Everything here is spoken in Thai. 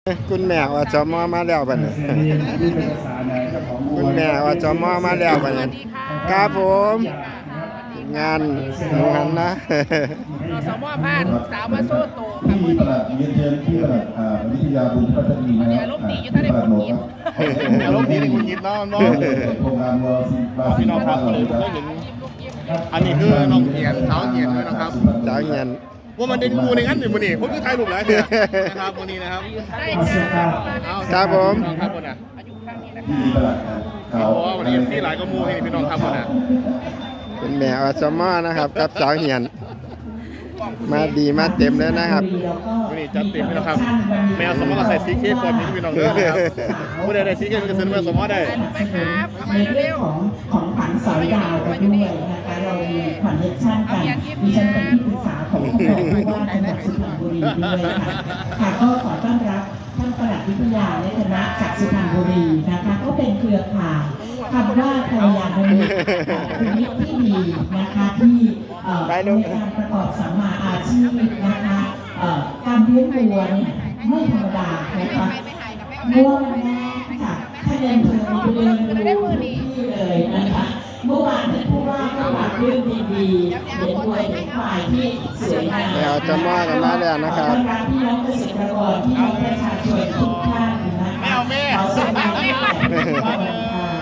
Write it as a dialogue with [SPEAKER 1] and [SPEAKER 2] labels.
[SPEAKER 1] คุณแม่ว่าจมมาแล้วบัดนี้คุณแม่ว่าจมมาแล้วบัดนี้ครับผมงานนะ
[SPEAKER 2] อสมผ่านสาวมาโซ่โตค่ะ
[SPEAKER 3] ที่ประหลัดเรียนเชิญที่ประหลัดวิทยาบุญพัฒนีนะ
[SPEAKER 2] อารมณ์ดีอยู่ท่านได้คนกิน
[SPEAKER 4] อารมณ์ดีในคุณยินน้องน้อง
[SPEAKER 3] โครงการวอลซิบา
[SPEAKER 4] พี่น้องครับเลยได้เห็นอันนี้คือน้องเกียรติสาวเกียรติด้วยนะครับ
[SPEAKER 1] สาวเงิน
[SPEAKER 4] ว่ามันเด่นกูในงั้นอยู่มันนี่ผมคือไทยรูปหลายเนี่ยนะครับวันนี้นะครับ
[SPEAKER 2] ได้ค่ะ
[SPEAKER 1] ครับผม
[SPEAKER 4] ครับคนน่ะ
[SPEAKER 2] อายุข้างนี้นะ
[SPEAKER 3] ที่ประหลัดเขา
[SPEAKER 4] โอ้วันนี้ที่หลายก็มูให้พี่น้องครับคนน่ะ
[SPEAKER 1] คุณแม่ว่าจมนะครับกับสาวเงินมาดีมาเต็มเลยนะครับ
[SPEAKER 4] วันนี้จัดเต็มพี่น้องครับแมวสมมติก็ใส่ซีเคฟอร์มนี้พี่น้องเลยนะครับผู้ใดได้ซีเคมันจะซื้อแมวสมมติได้
[SPEAKER 2] ไปครับเข้า
[SPEAKER 5] ใน
[SPEAKER 2] มา
[SPEAKER 5] เรื่
[SPEAKER 2] เร็
[SPEAKER 5] อง
[SPEAKER 2] ว
[SPEAKER 5] ของขวัญสอยดาวกันด้วยนะคะเรามีคอนเนคชั่นกันดิฉันเป็นที่ปรึกษาของผู้ว่าจังหวัดสุพรรณบุรีด้วยค่ะค่ะก็ขอต้อนรับท่านปลัดวิทยาในคณะจากสุพรรณบุรีนะคะก็เป็นเครือข่ายคำว่าภรรยาคนนี้ที่ดีนะคะที่ในการประกอบสัมมาอาชีพนะคะการเลี้ยงวัวเนี่ยไม่ธรรมดานะคะวัวแม่ค่ะถ้าเดินเธอเดินดูที่เลยนะคะเมื่อวานท่านผู้ว่าก็ฝากเรื่องดีๆเห็นวัวเห็นควายที่สวยงาม
[SPEAKER 1] แม่จมกันมาแล้วนะครับ
[SPEAKER 5] ต้อนรับพี่น้องเกษตรกรพี่น้องประชาชนทุกท่านนะคะขอแสดงความยินดี